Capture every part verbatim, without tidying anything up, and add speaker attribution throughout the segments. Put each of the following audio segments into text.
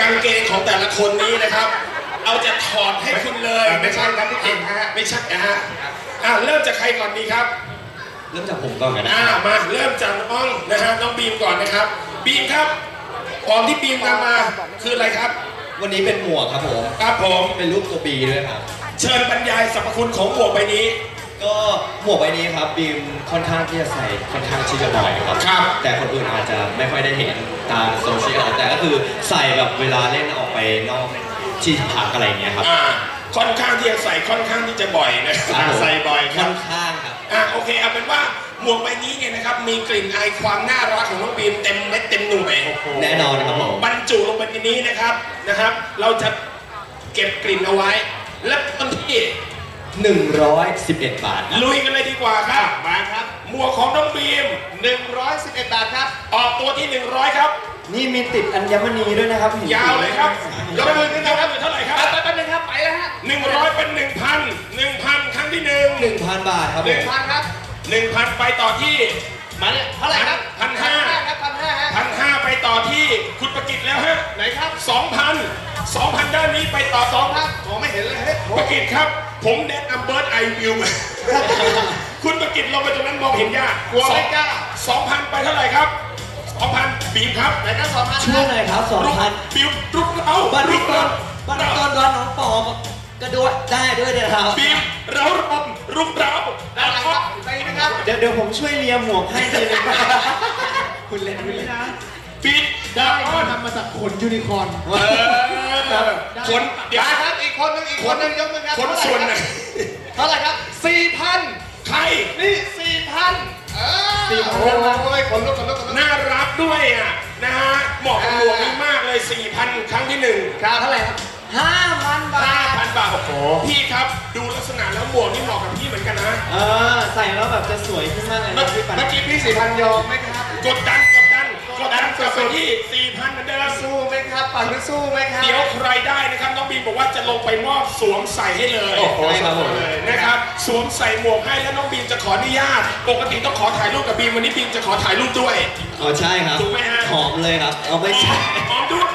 Speaker 1: างเกงของแต่ละคนนี้นะครับ เอาจะถอดให้คุณเลย
Speaker 2: ไม่ใช่ครับพี่เก่งฮะ
Speaker 1: ไม่ใช่นะฮะอ่ะเริ่มจากใครก่อนดีครับ
Speaker 3: เริ่มจากผมก่อนกันนะ
Speaker 1: อ่ามาเริ่มจากน้องนะฮะน้องบีมก่อนนะครับบีมครับของที่บีมนำมาคืออะไรครับ
Speaker 3: วันนี้เป็นหมวกครับผม
Speaker 1: ครับผม
Speaker 3: เป็นรูปตัวบีด้วยครับ
Speaker 1: เชิญบรรยายสรรพคุณของหมวกใบนี้
Speaker 3: ก็หมวกใบนี้ครับบีมค่อนข้างที่จะใส่ค่อนข้างที่จะบ่อยครับ
Speaker 1: ครับ
Speaker 3: แต่คนอื่นอาจจะไม่ค่อยได้เห็นตามโซเชียลแต่ก็คือใส่แบบเวลาเล่นออกไปนอกที่พักอะไรอย่างเงี้ยครับ
Speaker 1: อ่าค่อนข้างที่จะใส่ค่อนข้างที่จะบ่อยนะ
Speaker 3: ใส่บ่อย
Speaker 1: ค่
Speaker 3: อนข้างครับ
Speaker 1: อ่าโอเคเอาเป็นว่าหมวกใบนี้เนี่ยนะครับมีกลิ่นอายความน่ารักของน้องบีมเต็มเม็ดเต็มหน่วย
Speaker 3: แน่นอนครับผม
Speaker 1: บรรจุลงไปในนี้นะครับนะครับ เราจะเก็บกลิ่นเอาไว้และต้นที่
Speaker 3: หนึ่งร้อยสิบเอ็ดบาท
Speaker 1: ลุยกันเลยดีกว่าครับมาครับหมวกของน้องบีม
Speaker 2: หนึ่งร้อยสิบเอ็ดบาทครับ
Speaker 1: ออกตัวที่หนึ่งร้อยครับ
Speaker 3: นี่มีติดอัญมณีด้วยนะครับ
Speaker 1: ยาวเลยครับยกมือขึ้นนะครับเท่าไหร่ครับ
Speaker 2: ไปไปเลยครับไปแล้วฮะ
Speaker 1: หนึ่งร้อยเป็นหนึ่งพันหนึ่งพันครั้งที่หนึ่ง
Speaker 3: หนึ่งพันบาทครับ
Speaker 1: หนึ่งพันครับหนึ่งพันไปต่อที่
Speaker 2: มาเนี่ยเท่าไหร่ครับ
Speaker 1: พันห้า
Speaker 2: ครับพันห้าฮะ
Speaker 1: พันห้าไปต่อที่คุณประกิตแล้วฮะ
Speaker 2: ไหนครับ
Speaker 1: สองพันสองพันด้านนี้ไปต่อสองพัน
Speaker 2: มองไม่เห็นเลยเฮ้ย
Speaker 1: ประกิตครับผมแนะนำเบิร์ดไอวิวคุณประกิตลงไปตรงนั้นมองเห็นยาก
Speaker 2: กลัวไม่กล้า
Speaker 1: สองพันไปเท่าไหร่ครับสองพันบีมครับ
Speaker 2: ไหนครับสองพัน
Speaker 3: ช่วยหน่อยครับสองพัน
Speaker 1: บีมรุกเรา
Speaker 3: บันรุกตอนบันรุกตอนร้อนน้องปอบกระโดดได้ด้วยเดี๋ยวครับ
Speaker 1: บีมเรารบรุกเรา
Speaker 2: ได้ครับไปนะครับ
Speaker 3: เดี๋ยวเดี๋ยวผมช่วยเลียหมวกให้ทีนึงคุณเล่นคุณเล่นนะ
Speaker 1: บีม
Speaker 2: ได้ทำมาจากขนยูนิคอร์น
Speaker 1: ขน
Speaker 2: เดี๋ยวครับอีกคนนึงอีกคนนึงยกมือครับ
Speaker 1: ขนส่วนไหน
Speaker 2: เท่าไหร่ครับสี่พัน
Speaker 1: ใคร
Speaker 2: นี่สี่พัน
Speaker 1: สี่พันโอ้ยคนลุกคนลุกน่ารักด้วยอ่ะนะฮะเหมาะกับหมวกนี้มากเลยสี่พันครั้งที่หนึ่ง
Speaker 2: ครับเท่าไหร่ครับห้าพันบาท
Speaker 1: ห้าพันบาทโอ้โหพี่ครับดูลักษณะแล้วหมวกนี่เหมาะกับพี่เหมือนกันนะ
Speaker 3: เออใส่แล้วแบบจะสวยขึ้นมากเลย
Speaker 2: เมื่อกี้พี่สี่พันยอมไหมครับ
Speaker 1: กดดันกดดันกดดันกลับไปที่สี่พันเหมือนเดิม
Speaker 2: สู้ไหมครับปั่นไม่สู้ไหมครับ
Speaker 1: เดี๋ยวใครได้นะครับน้องบีมบอกว่าจะลงไปมอบสวมใส่ให้เลย
Speaker 3: โอ้โหครับผม
Speaker 1: นะครับสวมใส่หมวกให้แล้วน้องบีมจะขออนุญาตปกติต้องขอถ่ายรูปกับบีมวันนี้บีมจะขอถ่ายรูปด้วย
Speaker 3: อ๋อใช่ครับ
Speaker 1: ถูกไหมฮะ
Speaker 3: หอมเลยครับเอาไม่ใช่
Speaker 1: หอมด้วย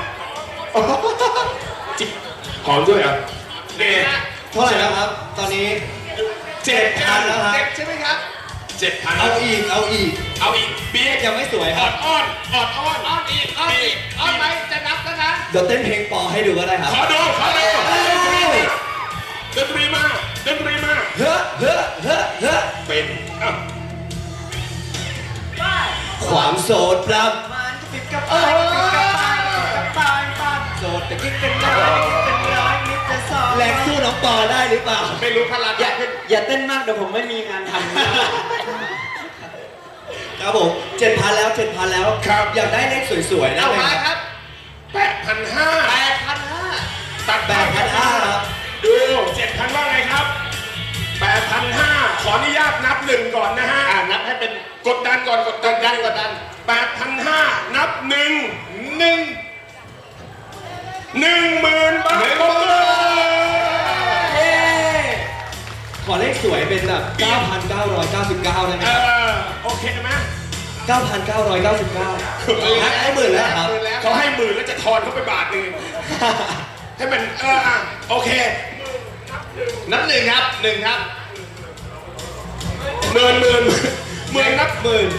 Speaker 1: จิบหอมด้วยอ่ะ
Speaker 3: เด็ดเท่าไหร่แล้วครับตอนนี้
Speaker 1: เจ็ดพัน
Speaker 3: แล้วครับ
Speaker 2: เจ็ดใช่ไหมครับ
Speaker 1: เจ็ดพัน
Speaker 3: เอาอีกเอาอีก
Speaker 1: เอาอีกเบี้ย
Speaker 3: ยังไม่สวยครับ
Speaker 1: อ้อนอ้อนอ้อน
Speaker 2: อ้อนอีกอ้อนอีกอ้อนไหมจะนับแล้วนะ
Speaker 3: เดี๋ยวเต้นเพลงปอให้ดูก็ได้ครับ
Speaker 1: ขอดูขอดูดนตรีมาดนตรีมา
Speaker 3: เฮ้อเฮ้อเฮ้อเฮ้อ
Speaker 1: เป็น
Speaker 3: ความโสดปรับ
Speaker 2: มันจะปิดกับเออกับตายปากโสดแต่คิดเป็นร้อยเป็นร้อยนิดจะสอง
Speaker 3: แรงสู้น้องปอได้หรือเปล่า
Speaker 2: ไม่รู้พลัง
Speaker 3: อย่าอย่าเต้นมากเดี๋ยวผมไม่มีงานทำครับผมเจ็ดพันแล้วเจ็ดพันแล้ว
Speaker 1: ครับ
Speaker 3: อยากได้เลขสวยๆนะ
Speaker 2: เอาไปครับ
Speaker 1: แปดพันห้า
Speaker 2: แปดพันห้า
Speaker 1: ตัด
Speaker 3: แปดพันห้าครับ
Speaker 1: ดูเจ็ดพันว่าไงครับแปดพันห้าขออนุญาตนับหนึ่งก่อนนะฮะ
Speaker 2: อ่านับให้เป็น
Speaker 1: กดดันก่อนกดดัน
Speaker 2: ดันกดดัน
Speaker 1: แปดพันห้านับหนึ่งหนึ่งหนึ่งหมื่นบาท
Speaker 3: เย้ขอเลขสวยเป็นแบบเก้าพันเก้าร้อยเก้าสิบเก้าได้ไหม
Speaker 1: เออโอเคไหม
Speaker 3: เก้าพันเก้าร้อยเก้าสิบเก้าให้หมื่นแล้วครับ
Speaker 1: เขาให้หมื่นแล้วจะทอนเขาไปบาทหนึ่งให้มันเอออ่ะโอเค
Speaker 2: นับหนึ่งครับหนึ่งครับ
Speaker 1: หมื่นหมื่นหมื่นนับหมื่น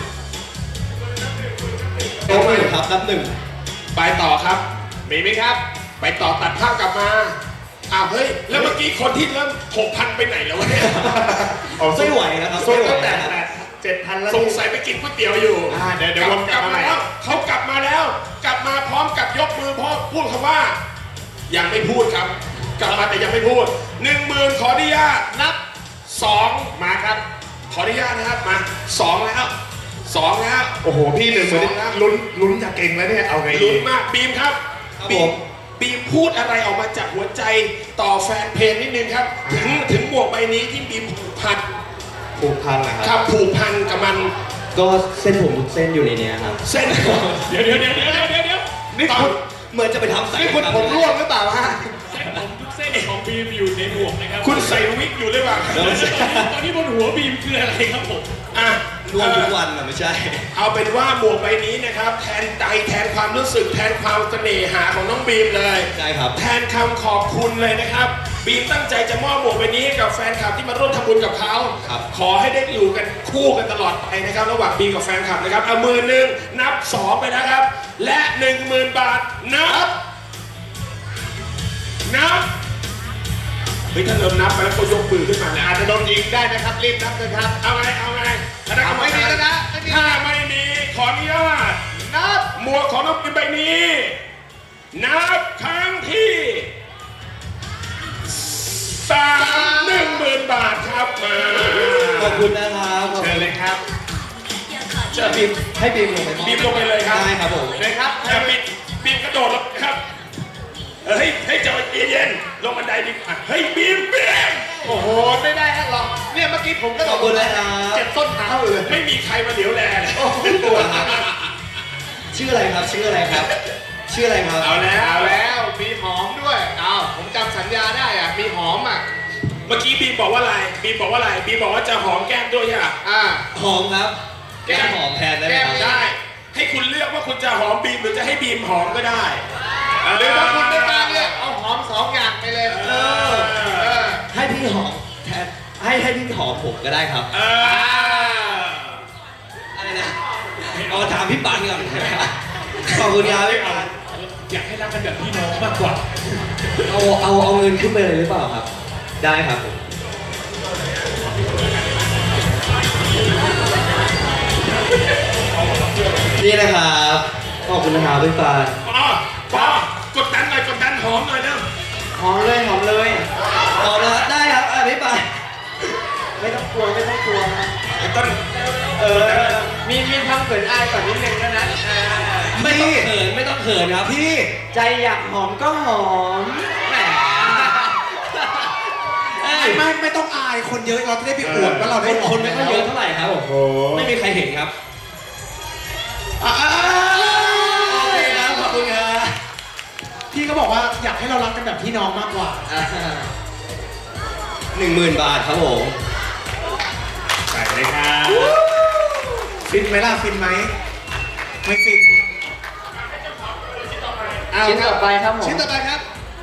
Speaker 3: โอ้ยครับนับหนึ่ง
Speaker 1: ไปต่อครับ
Speaker 2: มีไหมครับ
Speaker 1: ไปต่อตัดภาพกลับมาอ้าวเฮ้ยแล้วเมื่อกี้คนที่เริ่มหกพันไปไหนแล้ววะเนี่ย
Speaker 3: ไม่ไหวนะครับ
Speaker 2: ไม่ไหวแต่เจ็ดพันแล้ว
Speaker 1: สงสัยไปกินก๋วยเตี๋ยวอยู่
Speaker 2: เดี๋ยวเดี๋ยว
Speaker 1: กลับมาแล้วเขากลับมาแล้วกลับมาพร้อมกับยกมือพ่อพูดคำว่ายังไม่พูดครับกลับมาแต่ยังไม่พูดหนึ่งหมื่นขออนุญาตนับสองมาครับขออนุญาตนะครับมาสองแล้วสองแล้ว
Speaker 2: โอ้โหพี่หนึ่งหมื่นลุ้นลุ้นจะเก่งแล้วเนี่ยเอาไง
Speaker 1: ลุ้นมากบีมครับบีมบีมพูดอะไรออกมาจากหัวใจต่อแฟนเพลงนิดนึงครับถึงถึงหมวกใบนี้ที่บีมผูกพัน
Speaker 3: ผูกพันนะค
Speaker 1: รับผูกพันกับมัน
Speaker 3: ก็เส้นผมทุกเส้นอยู่ในนี้ครับ
Speaker 1: เส้นเดี๋ยวเดี๋ยวเดี๋ยวเดี๋ยวเดี๋ยวเดี๋ยว
Speaker 3: นี่คุณเหมือนจะไปทำใส่
Speaker 2: นี่คุณผมร่วงหรือเปล่าฮะ
Speaker 4: เส้นผมทุกเส้นของบีมอยู่ในหมวกนะครับ
Speaker 1: คุณใส่วิกอยู่หรือเปล่า
Speaker 4: ตอนนี้บนหัวบีมคืออะไรครับผม
Speaker 1: อ่ะ
Speaker 3: ร่วมทุกวันอะไม่ใช่
Speaker 1: เอาเป็นว่าหมวกใบนี้นะครับแทนใจแทนความรู้สึกแทนความเสน่หาของน้องบีมเลย
Speaker 3: ใช่ครับ
Speaker 1: แทนคำขอบคุณเลยนะครับบีมตั้งใจจะมอบหมวกใบนี้ให้กับแฟนคลับที่มาร่วมทำบุญกับเขา
Speaker 3: ครับ
Speaker 1: ขอให้ได้อยู่กันคู่กันตลอดไปนะครับระหว่างบีมกับแฟนคลับนะครับเอามือหนึ่งนับสองไปนะครับ และหนึ่งหมื่นบาทนับนับเฮ้ยถ้าเรานับไปแล้วก็ยกมือขึ้นมาเนี่ยอาจจะโดนยิงได้นะครับรีบนับเลยครับเอาไงเอาไงคณะกรรมการถ้าไม่มีขออนุญาตนับหมวกของน้องบีมใบนี้ นับครั้งที่สามหนึ่งหมื่นบาทครับมา
Speaker 3: ขอบคุณนะครับ
Speaker 1: เชิญเลยครับ
Speaker 3: เชิญบีมให้บีมลงไปมอบ
Speaker 1: บีมลงไปเลยครับ
Speaker 3: ได้ครับผม
Speaker 1: เลยครับอย่าบีมบีมกระโดดลงครับเฮ้ยให้เจ้าเย็นๆลงบันไดดิอ่ะเฮ้ยบีมบีม
Speaker 2: โอ้โหไม่ได้ฮะหรอกเนี่ยเมื่อกี้ผมก็
Speaker 3: ขอบคุณนะครับ
Speaker 2: เจ็บต้นเท้าเลย
Speaker 1: ไม่มีใครมาเหลียวแลเลย
Speaker 2: โอ้โหปวด
Speaker 3: ชื่ออะไรครับชื่ออะไรครับ ชื่ออะไรครับ
Speaker 1: เอาแล้ว
Speaker 2: เอาแล้วมีหอมด้วยเอาผมจำสัญญาได้อ่ะมีหอมอ่ะ
Speaker 1: เมื่อกี้บีมบอกว่าอะไรบีมบอกว่าอะไรบีมบอกว่าจะหอมแก้มด้วยใช่ไหม
Speaker 2: อ่า
Speaker 3: หอมครับ
Speaker 2: แก้ม
Speaker 3: จะหอมแทนได้ไหมครับ
Speaker 2: แก้ม
Speaker 1: ได้ ให้คุณเลือกว่าคุณจะหอมบีมหรือจะให้บีมหอมก็ได้
Speaker 2: หรือถ้าคุณไม่กล้าเลือกเอาหอมสองอย่างไปเลย
Speaker 1: เออ
Speaker 2: เออ
Speaker 3: ให้พี่หอมแทนให้ให้พี่หอมผมก็ได้ครับ
Speaker 1: เออ
Speaker 3: อะไรนะเอาถามพี่ปานก่อนขอบคุณครับพี่ปาน
Speaker 4: อยากให้รักกันแบบพี่น้องมากกว่า
Speaker 3: เอาเอาเอาเงินขึ้นไปเลยหรือเปล่าครับ ได้ครับผมนี่นะครับขอบคุณนะครับพี่ปาน
Speaker 1: ปอปอกดดันหน่อยกดดันหอมหน่อยเร็ว
Speaker 2: หอมเลยหอมเลย
Speaker 3: หอมนะครับได้ครับอ่ะพี่ปาน
Speaker 2: ไม่ต้องกลัวไม่ต้องกลัวนะ
Speaker 1: ไอ้ต้น
Speaker 2: เออมีมีทำเขินอายก่อนนิดนึงแล้วนะเออ
Speaker 3: ไม่ต้องเขินไม่ต้องเขินครับพี่
Speaker 2: ใจอยากหอมก็หอมแหม
Speaker 3: ไม่
Speaker 5: ไม่ไม่ต้องอายคนเยอะเราจะได้ไปอวดว่าเรา
Speaker 3: ค
Speaker 5: ได้
Speaker 3: น
Speaker 5: ออก
Speaker 3: คนไม่ค่อยเยอะเท่าไหร่ครับ
Speaker 1: โอ้โห
Speaker 3: ไม่มีใครเห็นครับอ่าโอเคครับขอบคุณครับ
Speaker 5: พี่ก็บอกว่าอยากให้เรารักกันแบบพี่น้องมากกว่า
Speaker 3: หนึ่งหมื่นบาทครับผม
Speaker 1: ใส่เลยครับ
Speaker 5: ฟินไหมล่ะฟินไหมไม่ฟิน
Speaker 2: ชิ้นต่อไปครับผม
Speaker 5: ชิ้นต่อไปครับ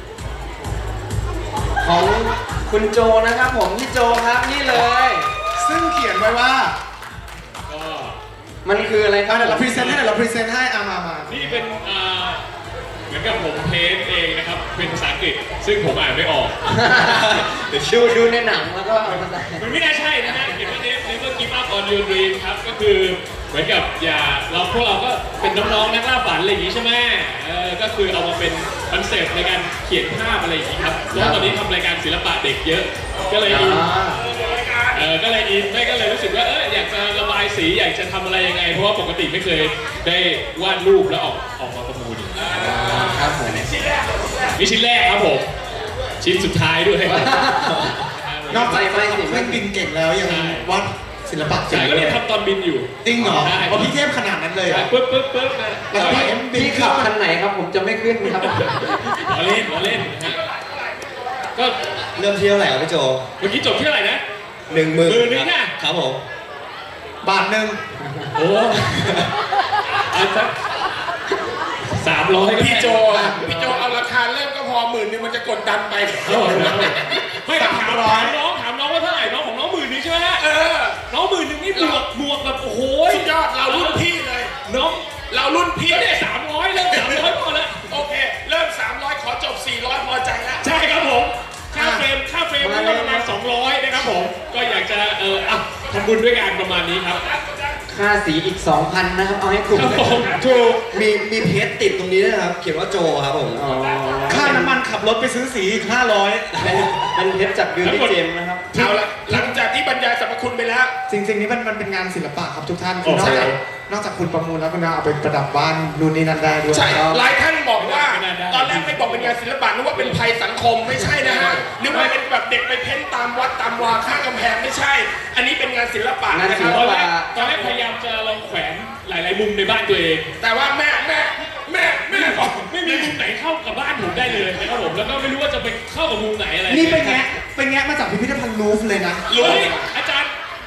Speaker 2: ของคุณโจนะครับผมพี่โจครับนี่เลย
Speaker 5: ซึ่งเขียนไว้ว่า
Speaker 4: ก็
Speaker 2: มันคืออะไรครับ
Speaker 5: อ่ะเดี๋ยวเราพรีเซนต์ให้เดี๋ยวเราพรีเซนต์ให้อามามา
Speaker 4: นี่เป็นอ่าเหมือนกับผมเทสเองนะครับ เป็นภาษาอังกฤษ ซึ่งผมอ่านไม่ออก
Speaker 2: ดูดูในหนังแล้วก็เอามาใส่
Speaker 4: มันไม่น่าใช่นะฮะเขียนว่า never give up on your dream ครับ ก็คือเหมือนกับอย่าเราพวกเราก็เป็นน้องๆนักล่าฝันอะไรอย่างงี้ใช่ไหมเออก็คือเอามาเป็นคอนเซปต์ในการเขียนภาพอะไรอย่างงี้ครับแล้วตอนนี้ทำรายการศิลปะเด็กเยอะ ก็เลยอินเออก็เลยอินไม่ก็เลยรู้สึกว่าเอออยากจะระบายสีอยากจะทำอะไรยังไง เพราะว่าปกติไม่เคยได้วาดรูปแล้วออกออกมาประมูล
Speaker 2: ครับผม
Speaker 4: นี่ชิ้นแรกครับผม ชิ้นสุดท้ายด้วย
Speaker 5: นอกจาก
Speaker 2: ไม่ไม่สิ
Speaker 5: เครื่องบินเก่งแล้วยังวาดศิลปะเก่
Speaker 4: ใช่
Speaker 5: ง
Speaker 4: ก็
Speaker 5: เล
Speaker 4: เลย
Speaker 5: ย
Speaker 4: ทำตอนบินอยู่
Speaker 5: จริงเหรอ
Speaker 4: ใช่
Speaker 5: เอาพี่เทพขนาดนั้นเลยเหรอ
Speaker 4: ปึ๊บปึ๊บปึ๊บนะ
Speaker 5: แล้วก็พี่
Speaker 2: พี่ขับคันไหนครับผมจะไม่ขึ้นครับ
Speaker 4: ล้อเล่นล้อเล่นนะฮะก็
Speaker 3: เริ่มที่เท่าไหร่ครับพี่โจ
Speaker 4: เมื่อกี้จบที่เท่าไหร่นะ
Speaker 3: หนึ่งหมื่น
Speaker 4: หมื่นหนึ่งน่ะ
Speaker 3: ครับผม
Speaker 5: บาทหนึ่ง
Speaker 4: โอ้อันสักสามร้อยก็
Speaker 1: พี่โจ
Speaker 4: ได้
Speaker 1: อ่ะพี่โจเอาราคาเริ่มก็พอหมื่นหนึงมันจะกดดันไป
Speaker 4: เอาเหรอไม่ถามถามน้องถามน้องว่าเท่าไหร่น้องของน้องหมื่นหนึงใช่ไหมฮะ
Speaker 1: เออ
Speaker 4: น้องหมื่นหนึงนี่บวกบวกแบบโอ้โห
Speaker 1: สุดยอดเรารุ่นพี่เลย
Speaker 4: น้อง
Speaker 1: เรารุ่นพี่
Speaker 4: เดี๋ยว
Speaker 1: เนี่
Speaker 4: เนี่ย ยสามร้อยเริ่มสามร้อยพอแล้ว
Speaker 1: โอเค เริ่มสามร้อยขอจบสี่ร้อยพอใจแล้ว
Speaker 4: ใช่ครับผมค่าเฟรมค่าเฟรมนี่ก็ประมาณสองร้อยนะครับผมก็อยากจะเอออ่ะทำบุญด้วยกันประมาณนี้ครับ
Speaker 2: ค่าสีอีก สองพัน นะครับ เอาให้คุ้ม
Speaker 4: ครับผม
Speaker 3: ถูกมีมีเพจติดตรงนี้ด้วยนะครับ เขียนว่าโจครับผม
Speaker 2: อ๋อ
Speaker 5: ค่าน้ำมันขับรถไปซื้อสีอีกห้าร้อย
Speaker 2: เป็นเป็นเพชรจากบิวตี้เจมนะครับ
Speaker 1: เอาละหลังจากที่บรรยายสรรพคุณไปแล้ว
Speaker 5: จริงๆนี่มันมันเป็นงานศิลปะครับทุกท่านคือน
Speaker 1: โอ้
Speaker 5: อก
Speaker 1: ใช่
Speaker 5: จากนอกจากคุณประมูลแล้วคุณเอาไปประดับบ้านนู่นนี่นั่นได้ด้วย
Speaker 1: ใช่ หลายท่านบอกว่า ตอนแรกไม่บอกเป็นงานศิลปะนึกว่าเป็นภัยสังคมไม่ใช่นะฮะนึกว่าเป็นแบบเด็กไปเพ้นตามวัดตามวาข้างกำแพงไม่ใช่ อันนี้เป็นงานศิลปะนะค
Speaker 2: งานศิ
Speaker 1: รับ
Speaker 2: ล
Speaker 4: ตอน
Speaker 2: ปะ
Speaker 4: แรกตอนแรกพยายามจะลองแขวนหลาย ๆ มุมในบ้านตัวเอง
Speaker 1: แต่ว่าแม่แม่แม่แม่บอก
Speaker 4: ไม่มีมุมไหนเข้ากับบ้านผมได้เลยนะครับผมแล้วก็ไม่รู้ว่าจะไปเข้ากับมุมไหนอะไร
Speaker 5: นี่เป็นแงะเป็นแงะมาจากพิพิธภัณฑ์ลูฟร์เลยนะ
Speaker 1: รู้
Speaker 4: เฮ้ยอาจารย์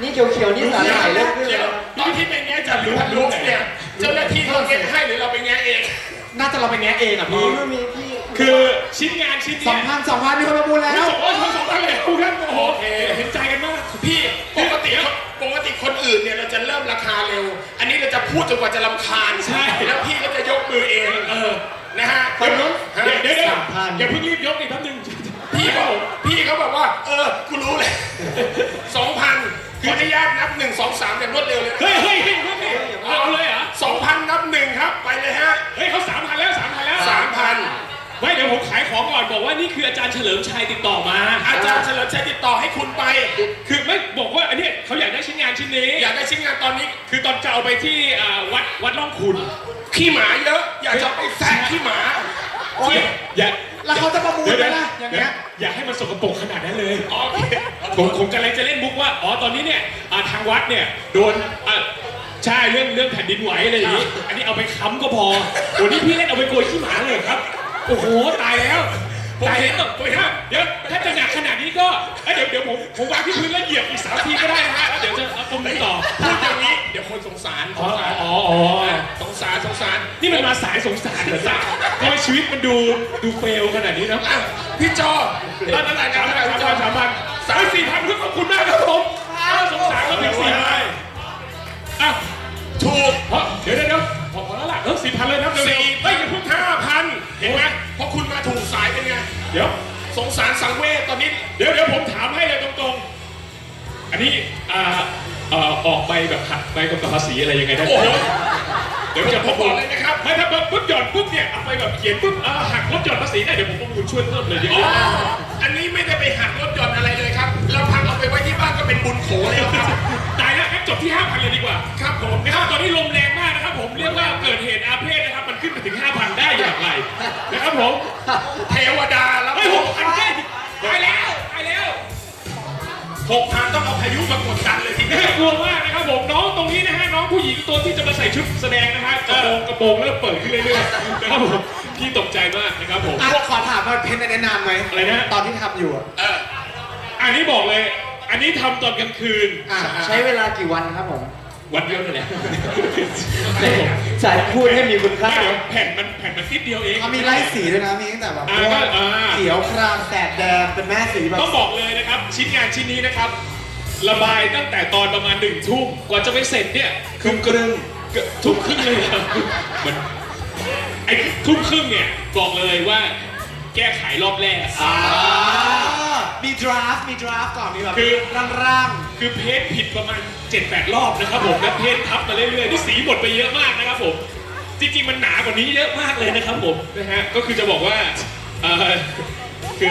Speaker 2: นี่เขียวๆนี่สาหร่ายเริ่มขึ้น
Speaker 1: เดี๋
Speaker 2: แล้
Speaker 1: ยว
Speaker 2: ว
Speaker 1: ตอนที่ไปแง่จัดรู้รู้เนี่ยเจ้าหน้าที่เขาเก็บให้หรือเราไปแง่เอง
Speaker 5: น่าจะเราไปแงะเองอ่ะ
Speaker 2: มี
Speaker 5: พี่
Speaker 2: ก็มีพี่
Speaker 4: คือชิ้นงานชิ้น
Speaker 5: สอ
Speaker 4: เนี้
Speaker 5: ง
Speaker 4: ย
Speaker 5: พันสองพันมีคนประมูลแล้ว
Speaker 4: สองร้อยสองพันเลยคุณท่านโอ้โหเห็นใจกันมาก
Speaker 1: พี่ปกติปกติคนอื่นเนี่ยเราจะเริ่มราคาเร็ว อันนี้เราจะพูดจนกว่าจะรำคาญ
Speaker 4: ใช่
Speaker 1: แล้วพี่ก็จะยกมือเอง
Speaker 4: เออ
Speaker 1: นะฮะ
Speaker 4: เดี๋ยวเดี๋ยวเดี๋ยวเดี๋ยว
Speaker 5: สามพัน
Speaker 4: อย่าเพิ่งรีบยกอีกแป๊บนึง
Speaker 1: พี่เขาพี่เขาบอกว่า เออกูรู้เลยสองพันขออนุญาตนับหนึ่งสองสามอย่างรวดเร็วเลย
Speaker 4: เฮ้ยเฮ้ยเฮ้ยเฮ้ยเอาเลยเหรอ
Speaker 1: สองพันนับหนึ่งครับไปเลยฮะ
Speaker 4: เฮ้ยเขาสามพันแล้วสามพันแล้ว
Speaker 1: สามพัน
Speaker 4: ไม่เดี๋ยวผมขายของก่อนบอกว่านี่คืออาจารย์เฉลิมชัยติดต่อมา
Speaker 1: อาจารย์เฉลิมชัยติดต่อให้คุณไป
Speaker 4: คือไม่บอกว่าอันเนี้ยเขาอยากได้ชิ้นงานชิ้นนี้
Speaker 1: อยากได้ชิ้นงานตอนนี้
Speaker 4: คือตอนจะเอาไปที่อ่าวัดวัดร่องขุน
Speaker 1: ขี้หมาเยอะ อยากจะไปแซะขี้หมา
Speaker 5: โอ๊ย
Speaker 4: อย่า
Speaker 5: แล้วเขาจะประมูล
Speaker 4: เดี๋ยว
Speaker 5: ไหม
Speaker 4: เดี๋ยว
Speaker 5: ล่ะอย่างเงี้ย
Speaker 4: อย่าให้มันสกปรกขนาดนั้นเลย
Speaker 1: โอเค
Speaker 4: ผมผมกำลังจะเล่นมุกว่า อ๋อ ตอนนี้เนี่ยอ่าทางวัดเนี่ยโดนอ่าใช่เรื่องเรื่องแผ่นดินไหวอะไรอย่างนี้ อันนี้เอาไปค้ำก็พอโอ้นี่พี่เล่นเอาไปโกยขี้หมาเลยครับ โอ้โห ตายแล้ว ตายแล้วโอ้ยฮะเดี๋ยวถ้าจะหนักขนาดนี้ก็เอ้ยเดี๋ยวเดี๋ยวผมผมวางที่พื้นแล้วเหยียบอีกสามทีก็ได้นะฮะ แล้วเดี๋ยวจะเอาตรงนี้ต่อ
Speaker 1: พูดอย่างนี้เดี๋ยวคนสงสาร
Speaker 4: อ๋ออ๋ออ๋อ
Speaker 1: สงสารสงสาร
Speaker 4: นี่มันมาสายสงสารเหรอจ๊ะทำไมชีวิตมันดูดูเฟลขนาดนี้นะ
Speaker 1: อ่ะพี่จอตอนนั้นไหน
Speaker 4: สาม
Speaker 1: นะ
Speaker 4: พัน
Speaker 1: พี่จ
Speaker 4: สา
Speaker 1: อ
Speaker 4: มพันสามพันสามสี่พันขอบคุณมากครับผมน่าสงสารก็ถึงสี่พันอ่ะ
Speaker 1: ถูก
Speaker 4: เพราะเดี๋ยวเดี๋ยวเดี๋ยวพอพอแล้วล่ะเออสี่พันเลยนะเร็ว
Speaker 1: สี่
Speaker 4: ๆ
Speaker 1: ไม่อย่าเพิ่งห้าพันเห็นไหมเพราะคุณมาถูกสายเป็นไง
Speaker 4: เดี๋ยว
Speaker 1: สงสารสังเวชตอนนี้
Speaker 4: เดี๋ยวเดี๋ยวผมถามให้เลยตรงๆ อันนี้อ่าเอ่อออกใบแบบหักใบกำกับภาษีอะไรยังไงได้
Speaker 1: โอ้โห
Speaker 4: เดี๋ยวจะ
Speaker 1: ผมบอกเลยนะครับ
Speaker 4: ไม่ถ้าปุ๊บหย่อนปุ๊บเนี่ยเอาไปแบบเขียนปุ๊บอ่าหักลดหย่อนภาษีได้เดี๋ยวผมประมูลช่วยเพิ่มเลยดีก
Speaker 1: อ๋อ
Speaker 4: ว่า
Speaker 1: อันนี้ไม่ได้ไปหักรถยนต์อะไรเลยครับ เราพังเอาไปไว้ที่บ้านก็เป็นบุญโขแล้วครับ
Speaker 4: ตายแล้วงั้นจบที่ห้าพันเลยดีกว่า
Speaker 1: ครับผม
Speaker 4: นะครับตอนนี้ลมแรงมากนะครับผมเรียกว่าเกิดเหตุอาเพศนะครับมันขึ้นไปถึง ห้าพัน ได้อย่างไรนะครับผม
Speaker 1: เทวดาแล้ว
Speaker 4: เฮ้ยหกพันแค่ตายแล้วตายแล้ว
Speaker 1: หกพันต้องเอาพายุมากดดันเลยทีเดียว
Speaker 4: น่ากลัวมากนะครับผมน้องตรงนี้นะฮะน้องผู้หญิงตัวที่จะมาใส่ชุดแสดงนะฮะกระโปรงกระโปรงเริ่มเปิดขึ้นเรื่อยๆนะครับผมพี่ตกใจมากนะครับผม
Speaker 5: อ่ะขอถามว่าเพนอันนี้นานไหม
Speaker 4: อะไรนะ
Speaker 5: ตอนที่ทำอยู่อะ
Speaker 1: เออ
Speaker 4: อันนี้บอกเลย อันนี้ทำตอนกลางคืน
Speaker 5: อ่ะ
Speaker 2: ใช้เวลากี่วันครับผม
Speaker 4: วันเดียวนั่นแหละ
Speaker 2: สายพูดให้มีคุณค่า
Speaker 4: เดี๋ยวแผ่นมันแผ่นมันนิดเดียวเอง
Speaker 5: เขามีไล่สีด้วยนะ มีตั้งแต่แบบ
Speaker 4: อ่าก็อ่า
Speaker 5: เขียวครามแสดแดงเป็นแม่สีแบบ
Speaker 4: ต้องบอกเลยนะครับ ชิ้นงานชิ้นนี้นะครับ ระบายตั้งแต่ตอนประมาณหนึ่งทุ่มกว่าจะไปเสร็จเนี่ย
Speaker 5: ทุ่มครึ่ง
Speaker 4: เกือบทุ่มครึ่งเลยครับมันไอ้ทุ่มครึ่งเนี่ยบอกเลยว่าแก้ไขรอบแรก
Speaker 5: อ่ามีดราฟต์มีดราฟต์ก่อนมีแบบ
Speaker 4: คือ
Speaker 5: ร่าง
Speaker 4: คือเพจผิดประมาณ เจ็ดแปด รอบนะครับผมแล้วเพจทับมาเรื่อยๆนี่สีหมดไปเยอะมากนะครับผมจริงๆมันหนากว่านี้เยอะมากเลยนะครับผมนะฮะก็คือจะบอกว่าเอ่อคือ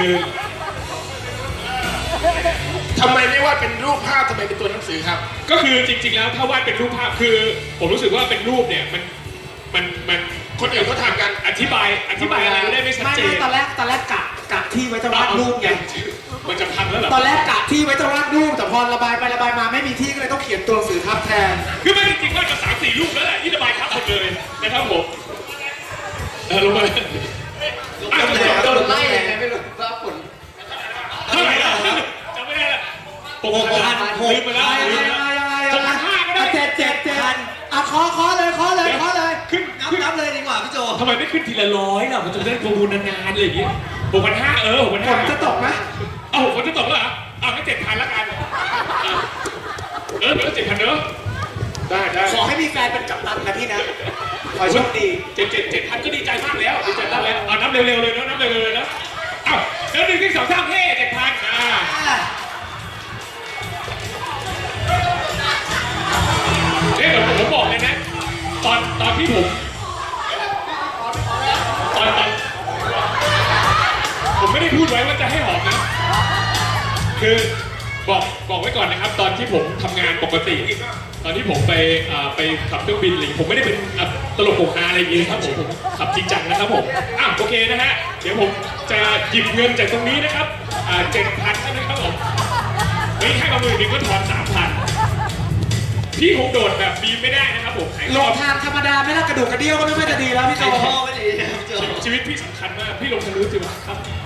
Speaker 1: ทำไมไม่ว่าเป็นรูปภาพทำไมเป็นตัวหนังสือครับ
Speaker 4: ก็คือจริงๆแล้วถ้าวาดเป็นรูปภาพคือ ผมรู้สึกว่าเป็นรูปเนี่ยมันมันมัน
Speaker 1: คนอื่นเขาทำกัน
Speaker 4: อธิบายอธิบายอะไรไม่ได้ไม่
Speaker 5: ๆ
Speaker 4: ชัด
Speaker 5: ไม่
Speaker 4: เจ
Speaker 5: ไม่
Speaker 4: น
Speaker 5: ตอนแรกตอนแรกกะกะที่ไว้จะวาดรูปไง
Speaker 4: มันจะพังแล้วเหรอ
Speaker 5: ตอนแรกกะที่ไว้จะวาดรูปแต่พอระบายไประบายมาไม่มีที่ก็เลยต้องเขียนตัวหนังสือทับแทน
Speaker 4: คือไม่จริงๆวาดมาสามสี่รูปแล้วแหละที่ระบายทับหมดเลยนะครับผมเออลงมาเลยอ่ะ
Speaker 2: โดนโดนไล่ยังไงไม่รู้ว่าผล
Speaker 4: เท่าไหร่แล้วจำไม่ได้ละหกพันลืมไปแล้วลืม
Speaker 5: ยัง
Speaker 4: ไป
Speaker 5: ไง
Speaker 4: แล้ว
Speaker 5: ยังไงยังไง
Speaker 4: หกพันห้าก็ได้
Speaker 5: เจ็ดเจ็ดเจ็ดอ่ะขอขอเลยขอเลยขอเลย
Speaker 4: ขึ้น
Speaker 2: นับ
Speaker 4: ขึ้น
Speaker 2: นับเลยดีกว่าพี่โจ
Speaker 4: ทำไมไม่ขึ้นทีละร้อยล่ะมันจะได้ประมูลนานๆเลยอย่างงี้หกพันห้าเออหกพัน
Speaker 5: ฝ
Speaker 4: ห้าน
Speaker 5: จะตกไหม
Speaker 4: เอ้าฝนจะตกแล้วเหรออ่ะงั้นเจ็ดพันละกันอ่ะเออเดี๋ยวเจ็ดพันเนอะได้ได้
Speaker 5: ขอให้มีแฟนเป็นกัปตันนะพี่นะ ขอให้โชคดี
Speaker 4: เจ็ดเจ็ดเจ็ดพันก็ดีใจมากแล้วดีใจมากแล้วเอานับเร็วๆเลยนะนับเร็วๆเลยนะเอ้าแล้วหนึ่งที่สองสามเฮ้เจ็ดพันอ่าเนี่ยเดี๋ยวผมบอกเลยนะ ตอนตอนที่ผมตอนตอนผมไม่ได้พูดไว้ว่าจะให้หอมนะ คือบอกบอกไว้ก่อนนะครับ ตอนที่ผมทำงานปกติ ตอนที่ผมไปอ่าไปขับเครื่องบินอะไรอย่างงี้ผมไม่ได้เป็นอ่ะตลกโปกฮาอะไรอย่างงี้ครับผมผมขับจริงจังนะครับผมอ่ะโอเคนะฮะเดี๋ยวผมจะหยิบเงินจากตรงนี้นะครับอ่าเจ็ดพันนะครับผมเฮ้ยให้มาหมื่นหนึ่งก็ถอนสามพันพี่คงโดดแบบบีมไม่ได้นะครับผม
Speaker 5: ลงทางธรรมดาไม่ละกระดูกกระเดี่ยวก็ไม่ค่อยจะดีแล้วพี่โจ
Speaker 2: พ่อไม่ดีพี่โจ
Speaker 4: ชีวิตพี่สำคัญมากพี่ลงทะลุจิ๋วครับ